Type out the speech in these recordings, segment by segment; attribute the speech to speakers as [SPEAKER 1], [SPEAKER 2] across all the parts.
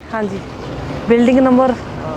[SPEAKER 1] हाँ जी, building number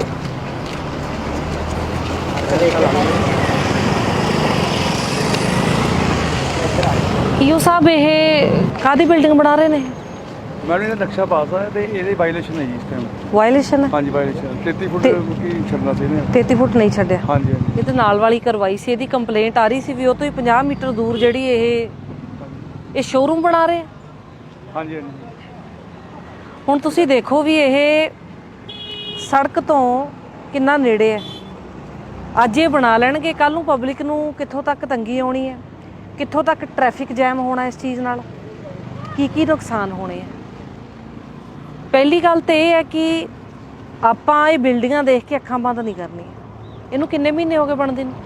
[SPEAKER 1] EO साहब ये कादी बिल्डिंग बना रहे ने?
[SPEAKER 2] मैडम ਇਹਦਾ ਨਕਸ਼ਾ ਪਾਸ ਹੈ ਤੇ ਇਹਦੇ ਵਾਇਲੇਸ਼ਨ ਹੈ ਜੀ ਇਸ ਟਾਈਮ।
[SPEAKER 1] ਵਾਇਲੇਸ਼ਨ ਹੈ?
[SPEAKER 2] ਹਾਂਜੀ ਵਾਇਲੇਸ਼ਨ 33 ਫੁੱਟ ਕੀ ਛੱਡਣਾ ਸੀ ਇਹਨੇ।
[SPEAKER 1] 33 ਫੁੱਟ ਨਹੀਂ ਛੱਡਿਆ।
[SPEAKER 2] ਹਾਂਜੀ ਹਾਂਜੀ।
[SPEAKER 1] ਇਹ ਤੇ ਨਾਲ ਵਾਲੀ ਕਰਵਾਈ ਸੀ, ਇਹਦੀ ਕੰਪਲੇਂਟ ਆ ਰਹੀ ਸੀ ਵੀ ਉਹ ਤੋਂ ਹੀ 50 ਮੀਟਰ ਦੂਰ ਜਿਹੜੀ ਇਹ ਸ਼ੋਰੂਮ ਬਣਾ ਰਹੇ।
[SPEAKER 2] ਹਾਂਜੀ ਹਾਂਜੀ।
[SPEAKER 1] ਹੁਣ ਤੁਸੀਂ ਦੇਖੋ ਵੀ ਇਹ ਸੜਕ ਤੋਂ ਕਿੰਨਾ ਨੇੜੇ ਹੈ। ਅੱਜ ਇਹ ਬਣਾ ਲੈਣਗੇ, ਕੱਲ ਨੂੰ ਪਬਲਿਕ ਨੂੰ ਕਿੱਥੋਂ ਤੱਕ ਤੰਗੀ ਆਉਣੀ ਹੈ, ਕਿੱਥੋਂ ਤੱਕ ਟ੍ਰੈਫਿਕ ਜੈਮ ਹੋਣਾ ਇਸ ਚੀਜ਼ ਨਾਲ, ਕੀ ਨੁਕਸਾਨ ਹੋਣੇ ਆ। ਪਹਿਲੀ ਗੱਲ ਤਾਂ ਇਹ ਹੈ ਕਿ ਆਪਾਂ ਇਹ ਬਿਲਡਿੰਗਾਂ ਦੇਖ ਕੇ ਅੱਖਾਂ ਬੰਦ ਨਹੀਂ ਕਰਨੀਆਂ। ਇਹਨੂੰ ਕਿੰਨੇ ਮਹੀਨੇ ਹੋ ਗਏ ਬਣਦੇ ਨੂੰ?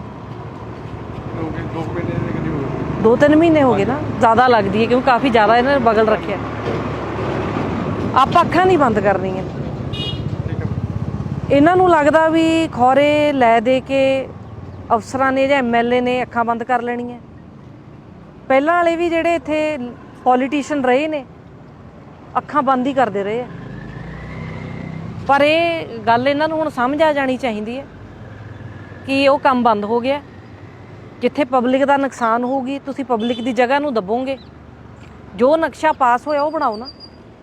[SPEAKER 1] 2-3 ਮਹੀਨੇ ਹੋ ਗਏ ਨਾ, ਜ਼ਿਆਦਾ ਲੱਗਦੀ ਹੈ ਕਿਉਂਕਿ ਕਾਫੀ ਜ਼ਿਆਦਾ ਇਹਨਾਂ ਨੇ ਬਗਲ ਰੱਖਿਆ। ਆਪਾਂ ਅੱਖਾਂ ਨਹੀਂ ਬੰਦ ਕਰਨੀਆਂ। ਇਹਨਾਂ ਨੂੰ ਲੱਗਦਾ ਵੀ ਖੌਰੇ ਲੈ ਦੇ ਕੇ ਅਫਸਰਾਂ ਨੇ ਜਾਂ MLA ਨੇ ਅੱਖਾਂ ਬੰਦ ਕਰ ਲੈਣੀਆਂ। ਪਹਿਲਾਂ ਵਾਲੇ ਵੀ ਜਿਹੜੇ ਇੱਥੇ ਪੋਲੀਟੀਸ਼ੀਅਨ ਰਹੇ ਨੇ ਅੱਖਾਂ ਬੰਦ ਹੀ ਕਰਦੇ ਰਹੇ ਆ। ਪਰ ਇਹ ਗੱਲ ਇਹਨਾਂ ਨੂੰ ਹੁਣ ਸਮਝ ਆ ਜਾਣੀ ਚਾਹੀਦੀ ਹੈ ਕਿ ਉਹ ਕੰਮ ਬੰਦ ਹੋ ਗਿਆ। ਜਿੱਥੇ ਪਬਲਿਕ ਦਾ ਨੁਕਸਾਨ ਹੋਊਗੀ ਤੁਸੀਂ ਪਬਲਿਕ ਦੀ ਜਗ੍ਹਾ ਨੂੰ ਦੱਬੋਗੇ। ਜੋ ਨਕਸ਼ਾ ਪਾਸ ਹੋਇਆ ਉਹ ਬਣਾਓ ਨਾ।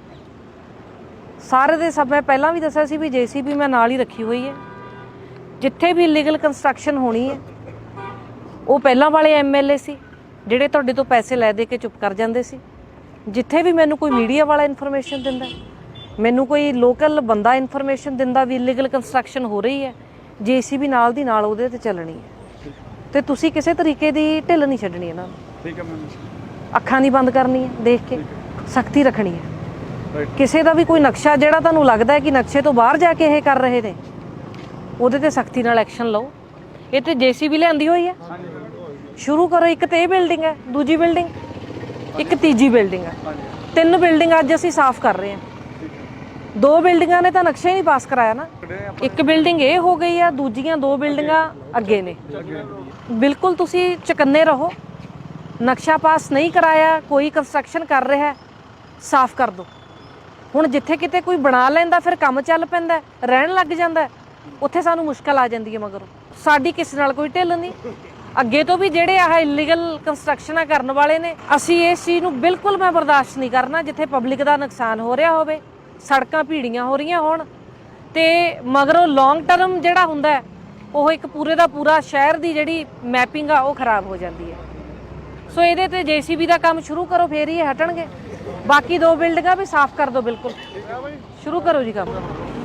[SPEAKER 1] ਸਾਰੇ ਦੇ ਸਭ ਮੈਂ ਪਹਿਲਾਂ ਵੀ ਦੱਸਿਆ ਸੀ ਵੀ JCB ਮੈਂ ਨਾਲ ਹੀ ਰੱਖੀ ਹੋਈ ਹੈ। ਜਿੱਥੇ ਵੀ ਇਲੀਗਲ ਕੰਸਟਰਕਸ਼ਨ ਹੋਣੀ ਹੈ ਉਹ ਪਹਿਲਾਂ ਵਾਲੇ MLA ਸੀ ਜਿਹੜੇ ਤੁਹਾਡੇ ਤੋਂ ਪੈਸੇ ਲੈ ਦੇ ਕੇ ਚੁੱਪ ਕਰ ਜਾਂਦੇ ਸੀ। ਜਿੱਥੇ ਵੀ ਮੈਨੂੰ ਕੋਈ ਮੀਡੀਆ ਵਾਲਾ ਇਨਫੋਰਮੇਸ਼ਨ ਦਿੰਦਾ, ਮੈਨੂੰ ਕੋਈ ਲੋਕਲ ਬੰਦਾ ਇਨਫੋਰਮੇਸ਼ਨ ਦਿੰਦਾ ਵੀ ਇਲੀਗਲ ਕੰਸਟਰਕਸ਼ਨ ਹੋ ਰਹੀ ਹੈ, JCB ਨਾਲ ਦੀ ਨਾਲ ਉਹਦੇ ਤੇ ਚੱਲਣੀ ਹੈ। ਤੇ ਤੁਸੀਂ ਕਿਸੇ ਤਰੀਕੇ ਦੀ ਢਿੱਲ ਨਹੀਂ ਛੱਡਣੀ ਇਹਨਾਂ ਨੂੰ।
[SPEAKER 2] ਠੀਕ ਹੈ ਮੈਮ।
[SPEAKER 1] ਅੱਖਾਂ ਨਹੀਂ ਬੰਦ ਕਰਨੀ ਹੈ, ਦੇਖ ਕੇ ਸਖਤੀ ਰੱਖਣੀ ਹੈ। ਕਿਸੇ ਦਾ ਵੀ ਕੋਈ ਨਕਸ਼ਾ ਜਿਹੜਾ ਤੁਹਾਨੂੰ ਲੱਗਦਾ ਹੈ ਕਿ ਨਕਸ਼ੇ ਤੋਂ ਬਾਹਰ ਜਾ ਕੇ ਇਹ ਕਰ ਰਹੇ ਨੇ, ਉਹਦੇ ਤੇ ਸਖਤੀ ਨਾਲ ਐਕਸ਼ਨ ਲਓ। ਇਹ ਤੇ JCB ਲਿਆਂਦੀ ਹੋਈ ਹੈ, ਸ਼ੁਰੂ ਕਰੋ। ਇੱਕ ਤੇ ਇਹ ਬਿਲਡਿੰਗ ਹੈ, ਦੂਜੀ ਬਿਲਡਿੰਗ, ਇੱਕ ਤੀਜੀ ਬਿਲਡਿੰਗ ਹੈ। 3 ਬਿਲਡਿੰਗ ਅੱਜ ਅਸੀਂ ਸਾਫ਼ ਕਰ ਰਹੇ ਹਾਂ। 2 ਬਿਲਡਿੰਗਾਂ ਨੇ ਤਾਂ ਨਕਸ਼ਾ ਹੀ ਨਹੀਂ ਪਾਸ ਕਰਾਇਆ ਨਾ। ਇੱਕ ਬਿਲਡਿੰਗ ਇਹ ਹੋ ਗਈ ਆ, ਦੂਜੀਆਂ 2 ਬਿਲਡਿੰਗਾਂ ਅੱਗੇ ਨੇ। ਬਿਲਕੁਲ ਤੁਸੀਂ ਚੁਕੰਨੇ ਰਹੋ। ਨਕਸ਼ਾ ਪਾਸ ਨਹੀਂ ਕਰਾਇਆ, ਕੋਈ ਕੰਸਟਰਕਸ਼ਨ ਕਰ ਰਿਹਾ, ਸਾਫ਼ ਕਰ ਦਿਓ। ਹੁਣ ਜਿੱਥੇ ਕਿਤੇ ਕੋਈ ਬਣਾ ਲੈਂਦਾ ਫਿਰ ਕੰਮ ਚੱਲ ਪੈਂਦਾ, ਰਹਿਣ ਲੱਗ ਜਾਂਦਾ, ਉੱਥੇ ਸਾਨੂੰ ਮੁਸ਼ਕਲ ਆ ਜਾਂਦੀ ਹੈ। ਮਗਰੋਂ ਸਾਡੀ ਕਿਸੇ ਨਾਲ ਕੋਈ ਢਿੱਲ ਨਹੀਂ। ਅੱਗੇ ਤੋਂ ਵੀ ਜਿਹੜੇ ਆਹ ਇਲੀਗਲ ਕੰਸਟਰਕਸ਼ਨਾਂ ਕਰਨ ਵਾਲੇ ਨੇ, ਅਸੀਂ ਇਸ ਚੀਜ਼ ਨੂੰ ਬਿਲਕੁਲ ਮੈਂ ਬਰਦਾਸ਼ਤ ਨਹੀਂ ਕਰਨਾ। ਜਿੱਥੇ ਪਬਲਿਕ ਦਾ ਨੁਕਸਾਨ ਹੋ ਰਿਹਾ ਹੋਵੇ, ਸੜਕਾਂ ਭੀੜੀਆਂ ਹੋ ਰਹੀਆਂ ਹੋਣ, ਤੇ ਮਗਰੋਂ ਲੌਂਗ ਟਰਮ ਜਿਹੜਾ ਹੁੰਦਾ ਉਹ ਇੱਕ ਪੂਰੇ ਦਾ ਪੂਰਾ ਸ਼ਹਿਰ ਦੀ ਜਿਹੜੀ ਮੈਪਿੰਗ ਆ ਉਹ ਖਰਾਬ ਹੋ ਜਾਂਦੀ ਹੈ। ਸੋ ਇਹਦੇ ਤੇ JCB ਦਾ ਕੰਮ ਸ਼ੁਰੂ ਕਰੋ, ਫੇਰ ਹੀ ਹਟਣਗੇ। ਬਾਕੀ 2 ਬਿਲਡਿੰਗਾਂ ਵੀ ਸਾਫ਼ ਕਰ ਦਿਓ। ਬਿਲਕੁਲ ਸ਼ੁਰੂ ਕਰੋ ਜੀ ਕੰਮ।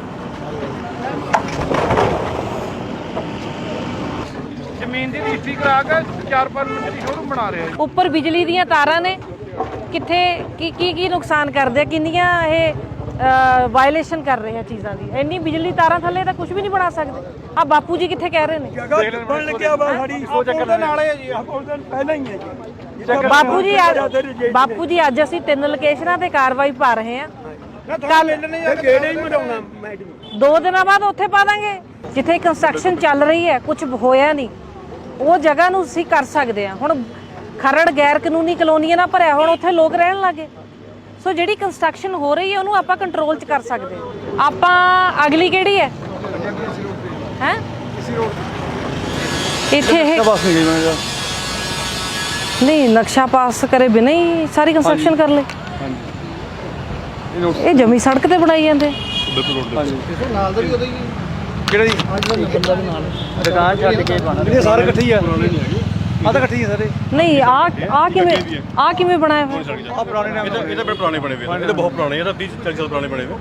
[SPEAKER 2] ਜ਼ਮੀਨ ਦੀ ਰਜਿਸਟਰੀ ਕਰਾ ਕੇ 4-5 ਮਿੰਟ ਦੀ ਸ਼ੋਰੂਮ ਬਣਾ ਰਿਹਾ।
[SPEAKER 1] ਉੱਪਰ ਬਿਜਲੀ ਦੀਆਂ ਤਾਰਾਂ ਨੇ, ਕਿੱਥੇ ਕੀ ਨੁਕਸਾਨ ਕਰਦੇ ਆ, ਕਿੰਨੀਆਂ ਇਹ ਵਾਇਲੇਸ਼ਨ ਕਰ ਰਹੇ ਆ ਚੀਜ਼ਾਂ ਦੀ। ਇੰਨੀ ਬਿਜਲੀ ਤਾਰਾਂ ਥੱਲੇ ਤਾਂ ਕੁਝ ਵੀ ਨਹੀਂ ਬਣਾ ਸਕਦੇ। ਆ ਬਾਪੂ ਜੀ ਕਿੱਥੇ ਕਹਿ ਰਹੇ ਨੇ?
[SPEAKER 2] ਬਣ ਲੱਗਿਆ ਵਾ ਸਾਡੀ ਸੋਚ ਨਾਲ ਹੈ ਜੀ। ਪਹਿਲਾਂ ਹੀ ਹੈ ਜੀ।
[SPEAKER 1] ਬਾਪੂ ਜੀ ਅੱਜ ਅਸੀਂ 3 ਲੋਕੇਸ਼ਨਾਂ ਤੇ ਕਾਰਵਾਈ ਪਾ ਰਹੇ ਹਾਂ।
[SPEAKER 2] ਕੱਲ ਗੇੜੇ ਹੀ ਮਰਾਉਣਾ ਮੈਡਮ।
[SPEAKER 1] 2 ਦਿਨਾਂ ਬਾਅਦ ਉੱਥੇ ਪਾ ਦਾਂਗੇ ਜਿੱਥੇ ਕੰਸਟਰਕਸ਼ਨ ਚੱਲ ਰਹੀ ਹੈ, ਕੁਝ ਹੋਇਆ ਨਹੀਂ, ਉਹ ਜਗ੍ਹਾ ਨੂੰ ਅਸੀਂ ਕਰ ਸਕਦੇ ਹਾਂ। ਹੁਣ ਖਰੜ ਗੈਰ ਕਾਨੂੰਨੀ ਕਲੋਨੀਆਂ ਨਾਲ ਭਰਿਆ, ਹੁਣ ਉੱਥੇ ਲੋਕ ਰਹਿਣ ਲੱਗੇ। ਸੋ ਜਿਹੜੀ ਕੰਸਟਰਕਸ਼ਨ ਹੋ ਰਹੀ ਹੈ ਉਹਨੂੰ ਆਪਾਂ ਕੰਟਰੋਲ 'ਚ ਕਰ ਸਕਦੇ ਹਾਂ। ਆਪਾਂ ਅਗਲੀ ਕਿਹੜੀ ਹੈ ਇੱਥੇ ਇਹ ਨਹੀਂ ਨਕਸ਼ਾ ਪਾਸ ਕਰੇ ਬਿਨਾਂ ਹੀ ਸਾਰੀ ਕੰਸਟਰਕਸ਼ਨ ਕਰ ਲੈ। ਇਹ ਜਮੀ ਸੜਕ ਤੇ ਬਣਾਈ ਜਾਂਦੇ।
[SPEAKER 2] ਨਾਲ ਦਾ ਵੀ ਉਹਦਾ ਹੀ ਕਿਹੜਾ ਜੀ ਦੁਕਾਨ ਛੱਡ ਕੇ ਬਣਾ ਇਹ ਸਾਰੇ ਇਕੱਠੇ ਹੀ ਆ। ਆ ਤਾਂ ਇਕੱਠੇ ਹੀ ਸਾਰੇ।
[SPEAKER 1] ਨਹੀਂ ਆ ਕਿਵੇਂ ਬਣਾਇਆ ਹੋਇਆ?
[SPEAKER 2] ਆ ਪੁਰਾਣੇ ਨਾਮ
[SPEAKER 3] ਇਹ ਤਾਂ ਬੜੇ ਪੁਰਾਣੇ ਬਣੇ ਹੋਏ। ਇਹ ਤਾਂ ਬਹੁਤ ਪੁਰਾਣੇ, ਇਹ ਤਾਂ 30-40 ਸਾਲ ਪੁਰਾਣੇ ਬਣੇ ਹੋਏ।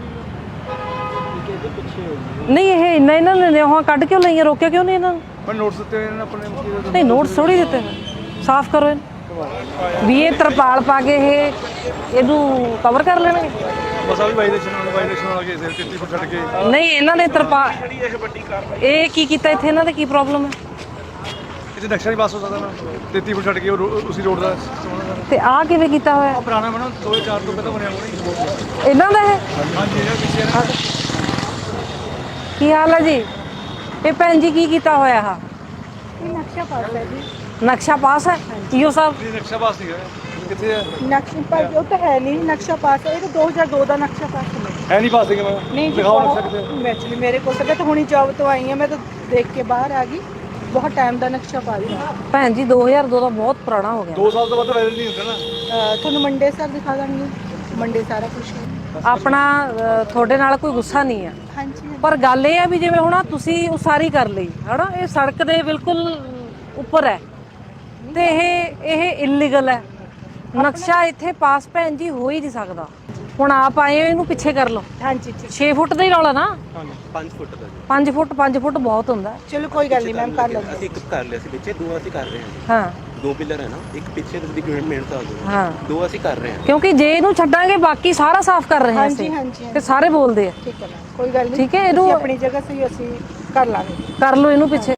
[SPEAKER 1] ਨਹੀਂ ਇਹ ਇਹਨਾਂ ਨੇ ਉਹ ਕੱਢ ਕਿਉਂ ਲਈਆਂ, ਰੋਕਿਆ ਕਿਉਂ ਨਹੀਂ ਇਹਨਾਂ ਨੂੰ?
[SPEAKER 2] ਪਰ ਨੋਟਸ ਦਿੱਤੇ ਇਹਨਾਂ ਆਪਣੇ।
[SPEAKER 1] ਨਹੀਂ ਨੋਟਸ ਥੋੜੀ ਦਿੱਤੇ, ਸਾਫ਼ ਕਰੋ ਇਹਨੂੰ ਵੀ। ਇਹ ਤਰਪਾਲ ਪਾ ਕੇ ਇਹਨੂੰ ਕਵਰ ਕਰ ਲੈਣਗੇ।
[SPEAKER 2] ਬਸ ਆ ਵੀ ਵਾਇਲੇਸ਼ਨ ਵਾਲਾ ਕੇਸ ਹੈ। 33 ਫੁੱਟ ਛੱਡ ਕੇ
[SPEAKER 1] ਨਹੀਂ ਇਹਨਾਂ ਨੇ ਤਰਪਾਲ ਇਹ ਕੀ ਕੀਤਾ ਇੱਥੇ? ਇਹਨਾਂ ਦਾ ਕੀ ਪ੍ਰੋਬਲਮ ਹੈ?
[SPEAKER 2] ਇੱਥੇ ਨਕਸ਼ਾ ਨਹੀਂ ਪਾਸ ਹੋ ਸਕਦਾ ਨਾ। 33 ਫੁੱਟ ਛੱਡ ਕੇ ਉਸੇ ਰੋਡ ਦਾ
[SPEAKER 1] ਤੇ ਆ ਕਿਵੇਂ ਕੀਤਾ ਹੋਇਆ?
[SPEAKER 2] ਪੁਰਾਣਾ ਬਣਾ 2004 ਤੋਂ ਪਹਿਲਾਂ ਬਣਿਆ ਹੋਣਾ
[SPEAKER 1] ਇਹਨਾਂ ਦਾ ਹੈ।
[SPEAKER 2] ਹਾਂਜੀ ਇਹਦਾ ਪਿੱਛੇ
[SPEAKER 1] ਕੀ ਹਾਲ ਹੈ ਜੀ? ਇਹ ਭੈਣ ਜੀ ਕੀ ਕੀਤਾ ਹੋਇਆ?
[SPEAKER 4] ਨਕਸ਼ਾ ਪਾਸ ਹੈ ਜੀ।
[SPEAKER 1] ਨਕਸ਼ਾ ਪਾਸ ਹੈ ਈਓ ਸਾਹਿਬ?
[SPEAKER 2] ਨਕਸ਼ਾ ਪਾਸ ਨਹੀਂ ਹੈ। ਕਿੱਥੇ ਹੈ
[SPEAKER 4] ਨਕਸ਼ਾ ਪਾਸ ਉਹ ਤਾਂ ਹੈ ਨਹੀਂ ਨਕਸ਼ਾ ਪਾਸ ਇਹ ਤਾਂ 2002 ਦਾ ਨਕਸ਼ਾ ਪਾਸ ਹੈ
[SPEAKER 2] ਨਹੀਂ ਪਾਸ ਹੈਗੇ ਮੈਂ
[SPEAKER 4] ਨਹੀਂ ਜੀ
[SPEAKER 2] ਦਿਖਾਓ ਨਕਸ਼ਾ ਕਿੱਥੇ
[SPEAKER 4] ਐਕਚੁਅਲੀ ਮੇਰੇ ਕੋਲ ਤਾਂ ਹੁਣੀ ਜੌਬ ਤੋਂ ਆਈ ਹਾਂ ਮੈਂ ਤਾਂ ਦੇਖ ਕੇ ਬਾਹਰ ਆ ਗਈ ਬਹੁਤ ਟਾਈਮ ਦਾ ਨਕਸ਼ਾ ਪਾ ਲਿਆ
[SPEAKER 1] ਭੈਣ ਜੀ 2002 ਦਾ ਬਹੁਤ ਪੁਰਾਣਾ ਹੋ ਗਿਆ
[SPEAKER 2] 2 ਸਾਲ ਤੋਂ ਬਾਅਦ ਵਾਇਰਲ ਨਹੀਂ ਹੁੰਦਾ ਨਾ
[SPEAKER 4] ਤੁਹਾਨੂੰ ਮੰਡੇ ਸਰ ਦਿਖਾ ਦਾਂਗੀ ਮੰਡੇ ਸਾਰਾ ਕੁਝ
[SPEAKER 1] ਆਪਣਾ ਤੁਹਾਡੇ ਨਾਲ ਕੋਈ ਗੁੱਸਾ ਨਹੀਂ ਆ
[SPEAKER 4] ਹਾਂਜੀ
[SPEAKER 1] ਪਰ ਗੱਲ ਇਹ ਆ ਵੀ ਜਿਵੇਂ ਹੁਣ ਤੁਸੀਂ ਉਸਾਰੀ ਕਰ ਲਈ ਹਨਾ ਇਹ ਸੜਕ ਦੇ ਬਿਲਕੁਲ ਉੱਪਰ ਹੈ ਤੇ ਇਹ ਇਲੀਗਲ ਹੈ ਨਕਸ਼ਾ ਇੱਥੇ ਪਾਸ ਭੈਣ ਜੀ ਹੋ ਹੀ ਨਹੀਂ ਸਕਦਾ ਹੁਣ ਆਪ ਆਏ ਹੋ ਇਹਨੂੰ ਪਿੱਛੇ ਕਰ ਲਓ
[SPEAKER 4] ਹਾਂਜੀ
[SPEAKER 1] 6 ਫੁੱਟ ਦਾ ਹੀ ਰੌਲਾ ਨਾ
[SPEAKER 5] 5 ਫੁੱਟ ਦਾ ਜੀ
[SPEAKER 1] 5 ਫੁੱਟ ਬਹੁਤ ਹੁੰਦਾ ਹੈ।
[SPEAKER 4] ਚਲੋ ਕੋਈ ਗੱਲ ਨਹੀਂ ਮੈਮ ਕਰ ਲਵਾਂਗੇ
[SPEAKER 5] ਅਸੀਂ ਇੱਕ ਕਰ ਲਿਆ ਸੀ ਪਿੱਛੇ ਦੋ ਅਸੀਂ ਕਰ ਰਹੇ ਹਾਂ
[SPEAKER 1] ਹਾਂ
[SPEAKER 5] ਦੋ ਪਿਲਰ ਹੈ ਨਾ ਇੱਕ ਪਿੱਛੇ ਦੀ ਮਿਹਨਤ ਆ ਗਈ
[SPEAKER 1] ਹਾਂ
[SPEAKER 5] ਦੋ ਅਸੀਂ ਕਰ ਰਹੇ ਹਾਂ
[SPEAKER 1] ਕਿਉਂਕਿ ਜੇ ਇਹਨੂੰ ਛੱਡਾਂਗੇ ਬਾਕੀ ਸਾਰਾ ਸਾਫ਼ ਕਰ ਰਹੇ ਹਾਂ
[SPEAKER 4] ਹਾਂਜੀ
[SPEAKER 1] ਅਸੀਂ
[SPEAKER 4] ਹਾਂਜੀ
[SPEAKER 1] ਤੇ ਸਾਰੇ ਬੋਲਦੇ ਆ
[SPEAKER 4] ਠੀਕ ਹੈ ਮੈਮ ਕੋਈ ਗੱਲ ਨਹੀਂ
[SPEAKER 1] ਠੀਕ ਹੈ, ਇਹਨੂੰ-
[SPEAKER 4] ਤੁਸੀਂ ਆਪਣੀ ਜਗ੍ਹਾ ਸਹੀ ਅਸੀਂ ਕਰ ਲਾਂਗੇ
[SPEAKER 1] ਕਰ ਲਓ ਇਹਨੂੰ ਪਿੱਛੇ